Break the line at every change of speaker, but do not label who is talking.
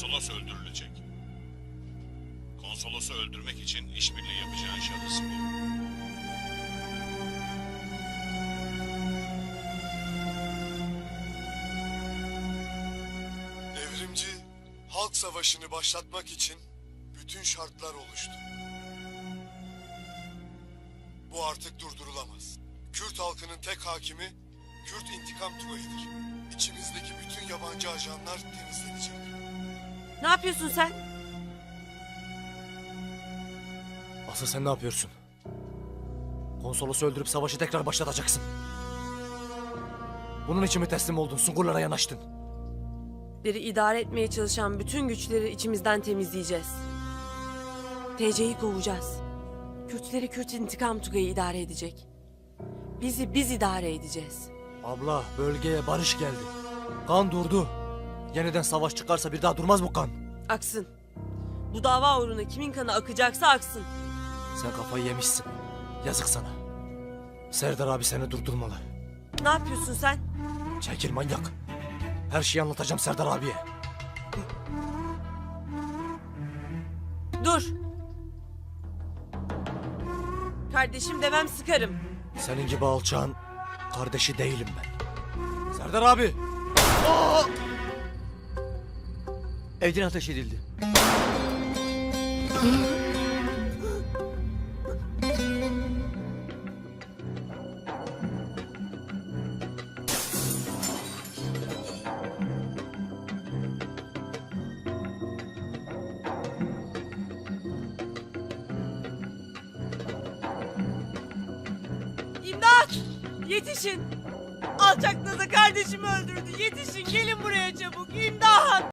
Konsolos öldürülecek. Konsolosu öldürmek için işbirliği yapacağın şahıs bu.
Devrimci halk savaşını başlatmak için bütün şartlar oluştu. Bu artık durdurulamaz. Kürt halkının tek hakimi Kürt İntikam Tugayı'dır. İçimizdeki bütün yabancı ajanlar temizlenecek.
Ne yapıyorsun sen?
Asıl sen ne yapıyorsun? Konsolosu öldürüp savaşı tekrar başlatacaksın. Bunun için mi teslim oldun? Sungurlara yanaştın.
Biri idare etmeye çalışan bütün güçleri içimizden temizleyeceğiz. TC'yi kovacağız. Kürtleri Kürt İntikam Tugayı idare edecek. Bizi biz idare edeceğiz.
Abla, bölgeye barış geldi. Kan durdu. Yeniden savaş çıkarsa bir daha durmaz bu kan.
Aksın. Bu dava uğruna kimin kanı akacaksa aksın.
Sen kafayı yemişsin. Yazık sana. Serdar abi seni durdurmalı.
Ne yapıyorsun sen?
Çekil manyak. Her şeyi anlatacağım Serdar abiye.
Dur. Kardeşim demem sıkarım.
Senin gibi alçağın kardeşi değilim ben. Serdar abi.
Evden ateş edildi.
İmdat! Yetişin! Alçak Naza kardeşimi öldürdü. Yetişin, gelin buraya çabuk. İmdat!